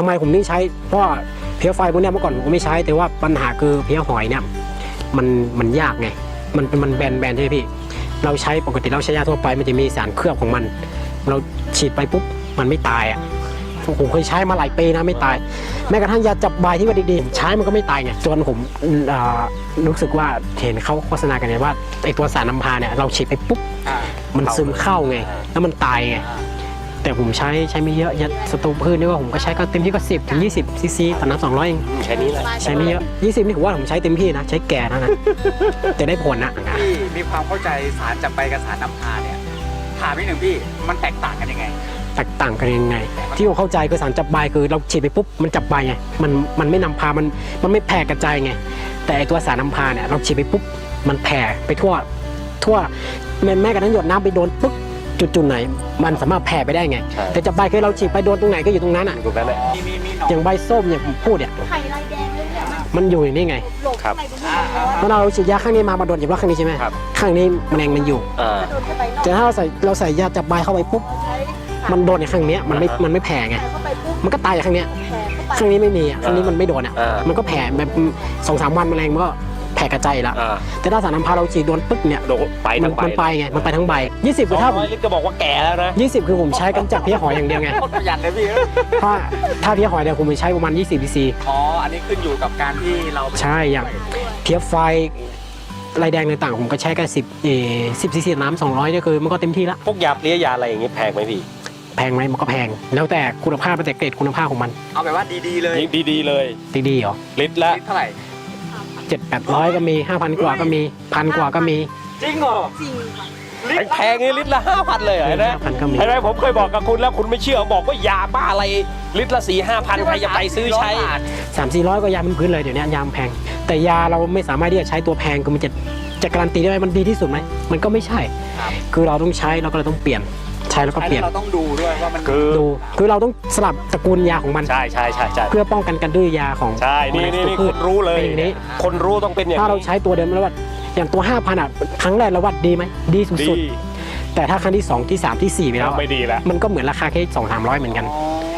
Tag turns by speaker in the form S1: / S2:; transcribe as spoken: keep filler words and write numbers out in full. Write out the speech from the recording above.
S1: ำไมผมนี่ใช้เพราะเพี้ยไฟพวกนี้เมื่อก่อนผมก็ไม่ใช้แต่ว่าปัญหาคือเพี้ยหอยเนี่ยมันมันยากไงมันเป็นมันแบนแบนใช่ไหมพี่เราใช้ปกติเราใช้ยาทั่วไปมันจะมีสารเคลือบของมันเราฉีดไปปุ๊บมันไม่ตายอ่ะผมเคยใช้มาหลายปีนะไม่ตายแม้กระทั่งยาจับใบที่ว่าดีๆใช้มันก็ไม่ตายไงจนผมรู้สึกว่าเห็นเขาโฆษณากันไงว่าไอตัวสารน้ำพาเนี่ยเราฉีดไปปุ๊บมันซึมเข้าไงแล้วมันตายไงแต่ผมใช้ใช้ไม่เยอะยาศัตรูพืชนี่ว่าผมก็ใช้ก็เต็มที่ก็สิบถึงยี่สิบซีซีต่อน้ำสองร้อยเอง
S2: แค่นี้แหละ
S1: ใช้ไม่เยอะยี่สิบนี่ผมว่าผมใช้เต็มที่นะใช้แก่นะนะจะได้ผลนะ
S3: พี่มีความเข้าใจสารจับใบกับสารนำพาเนี่ยถามนิดหนึ่งพี่มันแตกต่างกันยังไง
S1: แตกต่างกันยังไงที่ผมเข้าใจคือสารจับใบคือเราฉีดไปปุ๊บมันจับใบไงมันมันไม่นำพามันมันไม่แผ่กระจายไงแต่ตัวสารนำพาเนี่ยเราฉีดไปปุ๊บมันแผ่ไปทั่วทั่วแม้แม้กระทั่งหยดน้ำไปโดนปุ๊บจุดจุดไหนมันสามารถแผ่ไปได้ไงแต่จับใบคือเราฉีดไปโดนตรงไหนก็อยู่ตรงนั้นอ่ะ
S2: ตรงนั้นแหละ
S3: มีมีมีหนอน
S1: อย่างใบส้มอย่างผมพูดเนี่ย
S4: ไข่ลายแดงเลยเนี่ยมัน
S1: มันอยู่อย่างนี้ไง
S4: หลบ
S2: ครับ
S4: ไข่ตรงนี้
S3: อ่าอ่า
S1: เมื่อเราฉีดยาข้างนี้มามาโดนอย่างว่าข้างนี้ใช่ไหม
S2: ครับ
S1: ข้างนี้แมลงมันอยู่
S2: อ่า
S4: โดนเข้าไปนอก
S1: แต่ถ้าเราใส่เราใส่ยาจับใบเข้าไปปุ๊บ
S4: ใช้
S1: มันโดนในข้างเนี้ยมันไม่มันไม่แผ่ไง
S4: เข้าไปปุ๊บ
S1: มันก็ตายจากข้างเนี้ย
S4: แผลเข้าไป
S1: ข้างนี้ไม่มีอ่ะข้างนี้มันไม่โดนอ่ะ
S2: อ่ามั
S1: มันก็แผ่แบบสองสามวันแมลงมันก็แผ่กระจายแล้ว
S2: อ่า
S1: แต่ถ้าสารน้ำพาเราฉีดโดนปึ๊กเนี่ย
S2: โดนไป
S1: มั
S2: ทั้งใบ
S1: มันไปไงมันไปทั้งใบยี่สิบ
S2: ส
S1: คือ
S2: อง
S1: ถ้า
S2: ร้อยลิตรก็บอกว่าแก่แล้วนะ
S1: ยี่สิบคือผมใช้กำจัดเพี้ยหอยอย่างเดียวไง
S3: โคตรประหยัดเลยพี่
S1: ถ้าถ้าเพี้ยหอยเนี่ยผมใช้ประมาณยี่สิบซีซี
S3: อ๋ออันนี้ขึ้นอยู่กับการที่เรา
S1: ใช่อย่างเพี้ยไฟลายแดงต่างๆผมก็ใช้แค่สิบเอสิบซีซีน้ำสองร้อยเนี่ยคือมันก็เต็มที่ละ
S2: พวกยาเปรี้ยยาอะไรอย่างงี้แพงไหมพี่
S1: แพงไหมมันก็แพงแล้วแต่คุณภาพแต่เกรดคุณภาพของมัน
S3: เอาแบบว่าดีๆเลย
S2: ยิ่งดีๆเลย
S1: ดีๆเหรอ
S2: ลิตรละ
S3: ลิตรเท่าไหร่
S1: เจ็ดแปดร้อยก็มีห้าพันกว่าก็มีพันกว่าก็มี
S3: จริงเหรอ
S4: จริงค่ะ
S2: แพงๆนี่ลิตรละห้าพันเลยเหรอนะ
S1: ห้าพันก็มี
S2: เห็นไหมผมเคยบอกกับคุณแล้วคุณไม่เชื่อบอกว่ายาบ้าอะไรลิตรละสี่ห้าพันใครจะไปซื้อใช้
S1: สามสี่ร้อยก็ยาพื้นๆเลยเดี๋ยวนี้ยามแพง แต่ยาเราไม่สามารถที่จะใช้ตัวแพงคือมันจะจะการันตีได้ไหมมันดีที่สุดไหมมันก็ไม่ใช่
S3: ครับ
S1: คือเราต้องใช้เราก็เลยต้องเปลี่ยนใช้แล้วก็เปลี่ยน
S3: เราต้องดูด้วยว่ามัน
S2: คือ
S1: ดูคือเราต้องสลับตระกูลยาของมัน
S2: ใช่ใช่ใช่ใช่
S1: เพื่อป้องกันการดื้อยาของ
S2: ใช่นี่นี่นี่
S1: พื
S2: คุ
S1: ช
S2: ณรู้เลย
S1: เป็นอย่างนี้
S2: คนรู้ต้องเป็นอย่าง
S1: ถ้าเรา
S2: นี้
S1: ใช้ตัวเดิมแล้วว่าอย่างตัวห้าพันอ่ะครั้งแรกเราวัดดีไหมดี
S2: ดี
S1: สุดๆแต่ถ้าครั้งที่สองที่สามที่สี่ไปแล้วอะ
S2: ไม่ดีแล้ว
S1: มันก็เหมือนราคาแค่สองสามร้อยเหมือนกัน
S3: อ๋อ